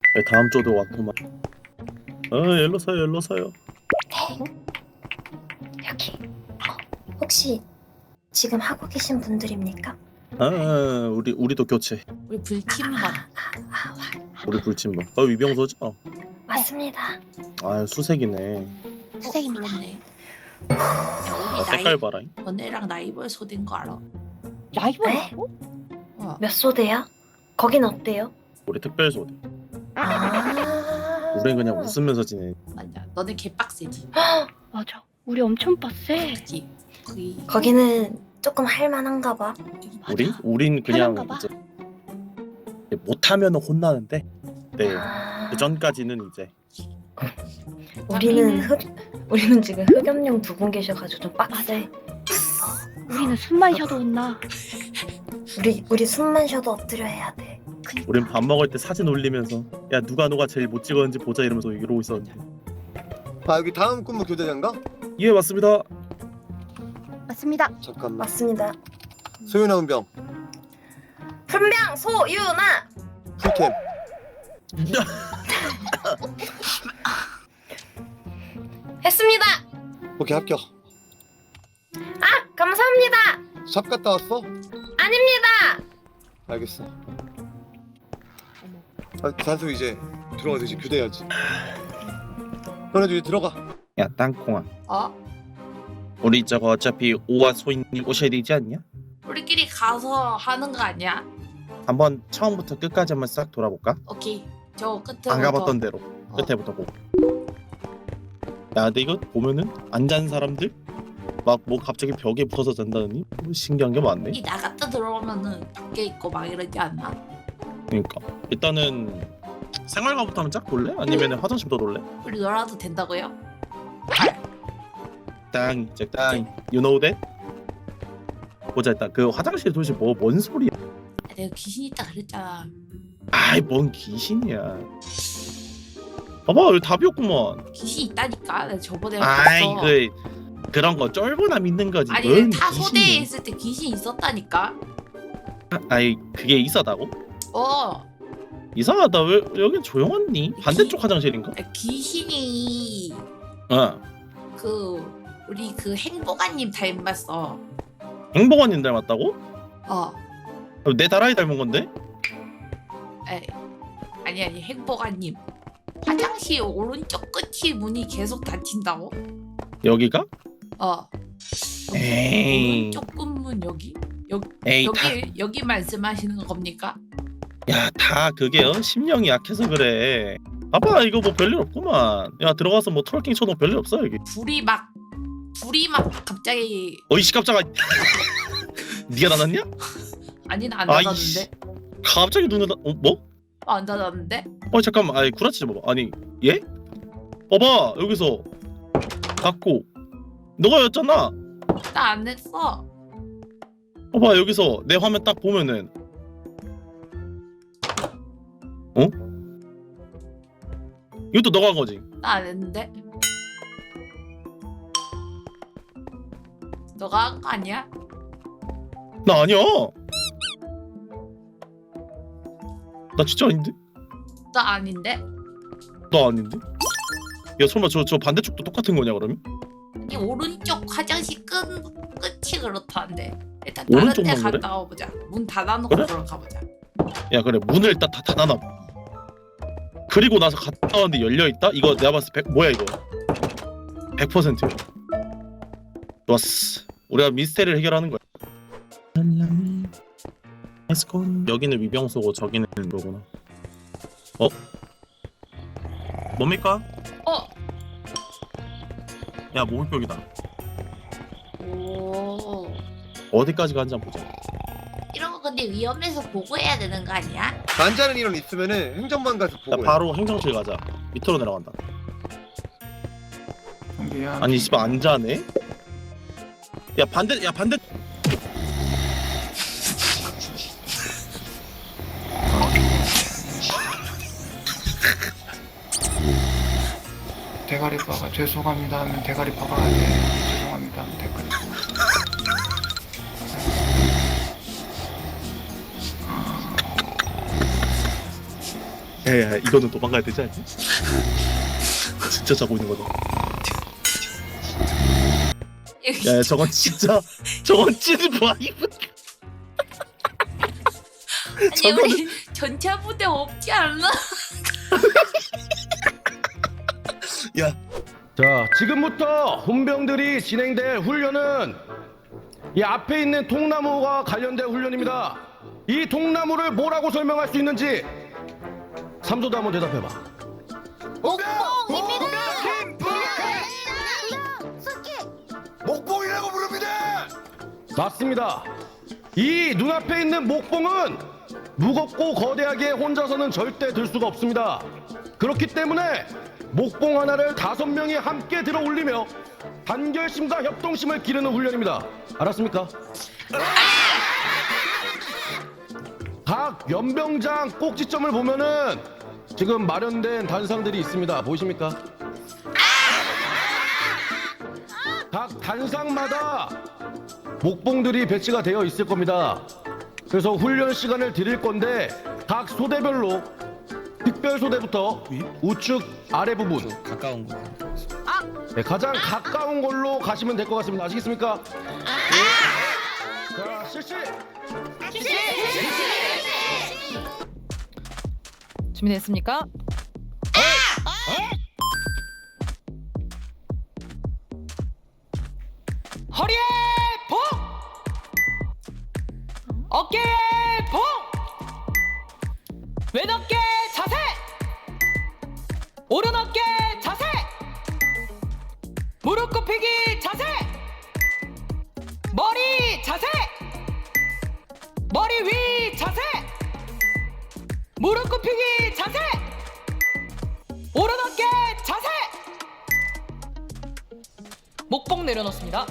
네, 다음 주도 왔구만. 일로 서요, 일로 서요. 여기. 혹시 지금 하고 계신 분들입니까? 우리도 교체. 우리 불침번. 우리 불침번. 위병소죠? 맞습니다. 수색이네. 선생님 불렀네. 야, 우리 색깔 봐라. 너네랑 라이벌 소된 거 알아? 라이벌이라고? 어. 몇 소대야? 거긴 어때요? 우리 특별소대. 아. 우린 그냥 웃으면서 지내. 맞아. 너네 개빡세지. 맞아. 우리 엄청 빡세. 그치? 거기는 조금 할만한가 봐. 우린 그냥 편한가 봐. 이제 못하면 혼나는데. 네. 아. 그 전까지는 이제. 우리는 지금 흑염룡 두 분 계셔가지고 좀 빡세. 우리는 숨만 쉬어도 혼나. 우리 숨만 쉬어도 엎드려 해야 돼. 우린 밥 먹을 때 사진 올리면서 야 누가 제일 못 찍었는지 보자 이러면서 이러고 있었는데. 여기 다음 근무 교대장가? 예 맞습니다. 맞습니다. 잠깐만. 맞습니다. 소윤아 은병 훈병 소유나. 풀캠. 했습니다. 오케이 합격. 아 감사합니다. 샵 갔다 왔어? 아닙니다. 알겠어. 단수 이제 들어가서 이제 교대해야지. 너네도 이제 들어가. 야 땅콩아. 어? 우리 저거 어차피 오와 소인님 오셔야 되지 않냐? 우리끼리 가서 하는 거 아니야? 한번 처음부터 끝까지 한번 싹 돌아볼까? 오케이. 저 끝에 안 가봤던 대로 어. 끝에부터 보고. 야 근데 이거 보면은 안 잔 사람들 막 뭐 갑자기 벽에 붙어서 잔다더니 뭐 신기한 게 많네. 이 나갔다 들어오면은 밖에 있고 막 이러지 않나? 그러니까 일단은 생활가부터 한번 쫙 볼래? 아니면 화장실부터 돌래? 우리 놀아도 된다고요? 땅 이제 땅 you know that? 보자 일단 그 화장실 도대체 뭔 소리야? 내가 귀신 있다 그랬잖아. 아이 뭔 귀신이야. 봐봐 여기 답이 없구만. 귀신 있다니까. 내가 저번에 아이 봤어. 그런 거 쫄보나 믿는 거지. 아니 뭔 타 소대에 귀신이야. 있을 때 귀신 있었다니까. 아이 그게 이상하다고? 어. 이상하다. 왜 여긴 조용하니? 반대쪽 화장실인가? 귀신이 어. 우리 행복아님 닮았어. 행복원님 닮았다고? 어. 내 다라이 닮은 건데? 에이. 아니 행복아님. 화장실 오른쪽 끝이 문이 계속 닫힌다고? 여기가? 어. 에이. 오른쪽 끝문 여기? 에이 여기 말씀하시는 겁니까? 다 그게 심령이 약해서 그래. 봐봐 이거 뭐 별일 없구만. 야 들어가서 뭐 트월킹 쳐도 별일 없어 여기. 불이 막 갑자기 어이씨 깜짝아. 네가 나눴냐? 아니 나 안 아이씨. 닫았는데? 갑자기 눈을 뭐? 안 닫았는데? 잠깐만. 아니 구라치지 마봐. 아니 예? 봐봐 여기서 닫고 너가 였잖아. 나 안 했어. 봐봐 여기서 내 화면 딱 보면은 어? 이것도 너가 한 거지? 나 안 했는데? 너가 한 거 아니야? 나 아니야. 나 진짜 아닌데? 나 아닌데? 나 아닌데? 야 설마 저 반대쪽도 똑같은 거냐 그러면? 이 오른쪽 화장실 끝이 그렇다는데 일단 다른 데 오른쪽만 그래? 갔다 와보자. 문 닫아놓고 그래? 들어가보자. 야 그래 문을 일단 다 닫아놔. 그리고 나서 갔다 왔는데 열려있다? 이거 내가 봤을 때 뭐야 이거 100%야. 좋았어. 우리가 미스테리를 해결하는 거야. 여기는 위병소고 저기는 뭐구나. 뭡니까? 야 목욕벽이다. 오. 어디까지 가는지 한번 보자. 이런 거 근데 위험해서 보고해야 되는 거 아니야? 반자는 인원 있으면은 행정반 가서 야 보고. 바로 행정실 가자. 밑으로 내려간다. 미안. 아니 씨발 안 자네? 야 반대 대가리파가 죄송합니다 하면 대가리파가 안 돼. 죄송합니다 하면 대가리파. 야, 이거는 도망가야 되지 않니? 진짜 자고 있는 거다. 야, 저건 진짜 뭐야 이거? 아니 우리 전차 부대 없지 않나? 야, 자, 지금부터 훈병들이 진행될 훈련은 이 앞에 있는 통나무와 관련된 훈련입니다. 이 통나무를 뭐라고 설명할 수 있는지 삼소도 한번 대답해봐. 목봉이라고 부릅니다. 맞습니다. 이 눈앞에 있는 목봉은 무겁고 거대하게 혼자서는 절대 들 수가 없습니다. 그렇기 때문에 목봉 하나를 5명이 함께 들어 올리며 단결심과 협동심을 기르는 훈련입니다. 알았습니까? 각 연병장 꼭지점을 보면은 지금 마련된 단상들이 있습니다. 보이십니까? 각 단상마다 목봉들이 배치가 되어 있을 겁니다. 그래서 훈련 시간을 드릴 건데 각 소대별로 특별 소대부터 우측 아래 부분 가까운 거. 네, 가장 가까운 걸로 가시면 될 것 같습니다. 아시겠습니까? 자, 실시! 준비됐습니까? 허리에 봉! 어깨에 봉! 왼 어깨 자세! 오른 어깨 자세! 무릎 굽히기 자세! 머리 자세! 머리 위 자세! 무릎 굽히기 자세! 오른 어깨 자세! 목봉 내려놓습니다.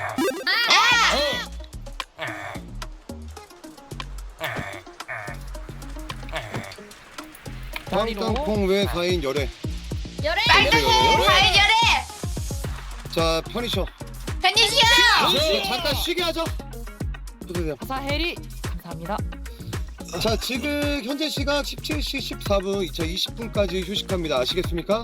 땅땅콩 외 4인 열애. 빨강콩 과일열애 자, 편히 쉬어. 편히시여. 자, 잠깐 쉬게 하자. 보세요. 사해리 감사합니다. 자, 지금 현재 시각 17시 14분, 2020분까지 휴식합니다. 아시겠습니까?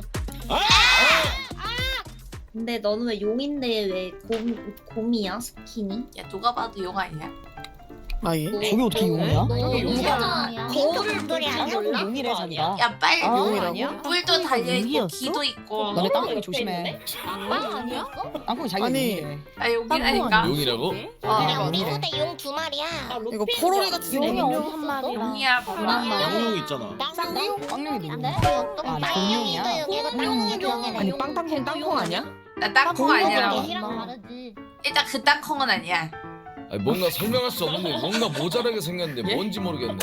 근데 너는 왜 용인데 왜 곰이야 스킨이? 야 누가 봐도 용 아니야? 아예? 저게 어떻게 용이야? 거울을 보니 용이래 잔다. 야 빨리 용이라고? 뿔도 달려있고 귀도 있고. 너네 땅콩이 조심해. 빵 아니야? 땅콩이 자기 용이래. 아 용이라니까. 용이라고? 우리 소대 용 2마리야. 이거 포로리 같은 용이 용이 한 마리야. 용이야 봐봐. 양용 있잖아. 땅콩? 빵룡이 누구? 아, 땅콩이야? 아니 빵땅콩 땅콩 아니야? 나 땅콩 아니라고. 다르지. 일단 그 땅콩은 아니야. 아니, 뭔가 설명할 수 없는데 뭔가 모자라게 생겼는데 뭔지 모르겠네.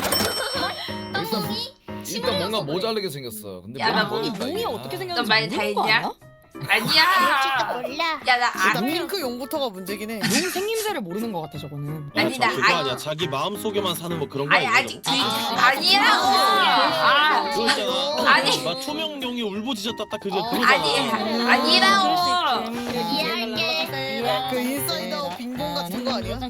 일단 뭔가 모자라게 생겼어. 근데 야, 나 뭔지 뭐- 모르겠다, 용이 이거. 어떻게 너 생겼는지 많이 다 모르는 거 했냐? 아니야? 아니야. 몰라. 야나 일단 아니. 핑크 용부터가 문제긴 해. 용 생김새를 모르는 것 같아 저거는. 아니, 나 그거 아니- 아니야. 자기 마음 속에만 사는 뭐 그런 거 아니 아니야? 아직 아니라고. 아 그거 있잖아. 아니. 막 투명용이 울부짖었다 딱 그거 아니 그거잖아. 아니라고. 이해할게. 그 인사이더 빙봉 같은 거 아니야?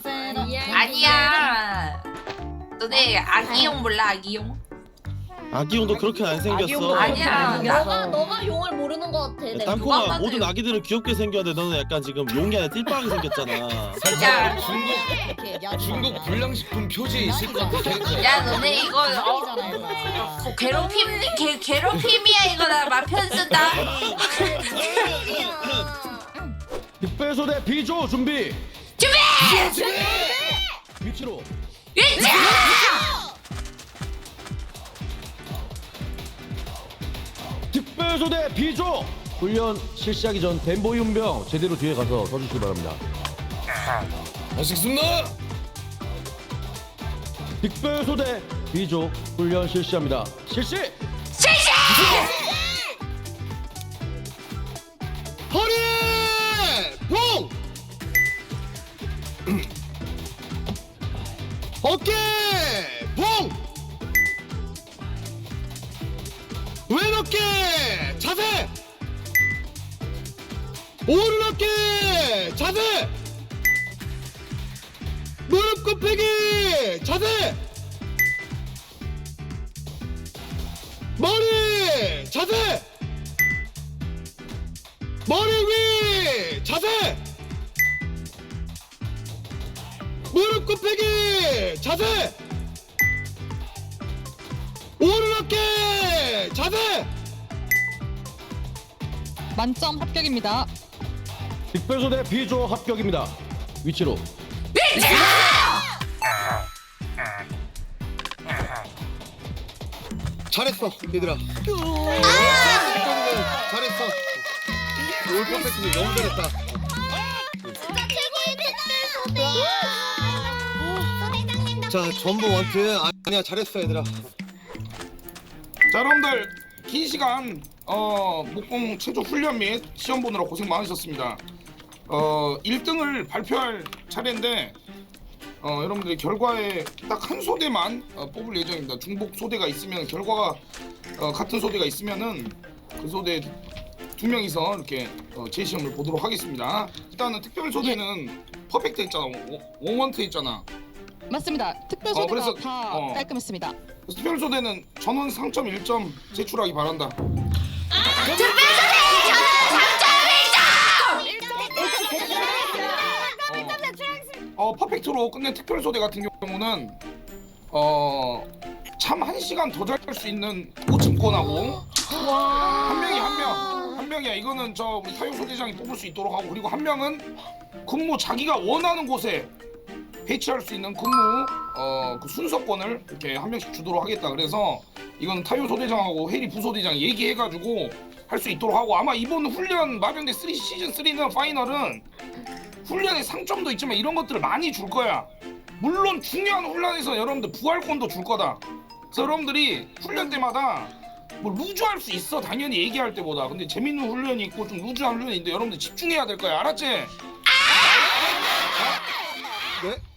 아니야. 너네 아기용 몰라 아기용? 아기용도 그렇게 안 생겼어. 아기용도 아니야. 너가 용을 모르는 것 같아. 야, 누가 땅콩아 봐도 모든 아기들은 귀엽게 생겼는데 너는 약간 지금 용이 아니라 띨빵하게 생겼잖아. 살짝 야, 중국 불량식품 표지에 있을 것 같은 캐릭터야. 야 너네 이거 괴롭힘이야 이거 나 마편 쓴다. 특별소대 비조 준비. 준비! 위치로. 위치! 특별소대 비조 훈련 실시하기 전 덴보이 훈병 제대로 뒤에 가서 서주시기 바랍니다. 아시겠습니다. 특별소대 비조 훈련 실시합니다. 실시! 실시! 허리! 봉! 어깨! 봉! 왼 어깨! 자세! 오른 어깨! 자세! 무릎 굽히기! 자세! 머리 자세. 머리 위 자세. 무릎 굽히기 자세. 오른 어깨 자세. 만점 합격입니다. 특별소대 B조 합격입니다. 위치로. 잘했어 얘들아. 잘했어. 올 퍼펙트 너무 잘했다. 진짜 최고의 소대장님 자 전부 원트 아니야 잘했어 얘들아. 자 여러분들 긴 시간 목공 체조 훈련 및 시험 보느라 고생 많으셨습니다. 1등을 발표할 차례인데 여러분들 결과에 딱 한 소대만 뽑을 예정입니다. 중복 소대가 있으면 결과가 같은 소대가 있으면은 그 소대 2명이서 이렇게 재시험을 보도록 하겠습니다. 일단은 특별 소대는 퍼펙트 했잖아. 원원트 했잖아. 맞습니다. 특별소대가 그래서, 다 깔끔했습니다. 그래서 특별 소대는 전원 상점 1점 제출하기 바란다. 퍼펙트로 끝낸 특별 소대 같은 경우는 참 1시간 더 잘 수 있는 보증권하고 한 명이야. 이거는 저 우리 타요 소대장이 뽑을 수 있도록 하고, 그리고 한 명은 근무 자기가 원하는 곳에 배치할 수 있는 근무 그 순서권을 이렇게 한 명씩 주도록 하겠다. 그래서 이건 타요 소대장하고 해리 부소대장이 얘기해가지고 할 수 있도록 하고, 아마 이번 훈련 마병대 3 시즌 3는 파이널은 훈련에 상점도 있지만 이런 것들을 많이 줄 거야. 물론 중요한 훈련에서 여러분들 부활권도 줄 거다. 그래서 여러분들이 훈련 때마다 뭐 루즈할 수 있어, 당연히 얘기할 때보다. 근데 재밌는 훈련이 있고 좀 루즈한 훈련이 있는데 여러분들 집중해야 될 거야. 알았지? 네?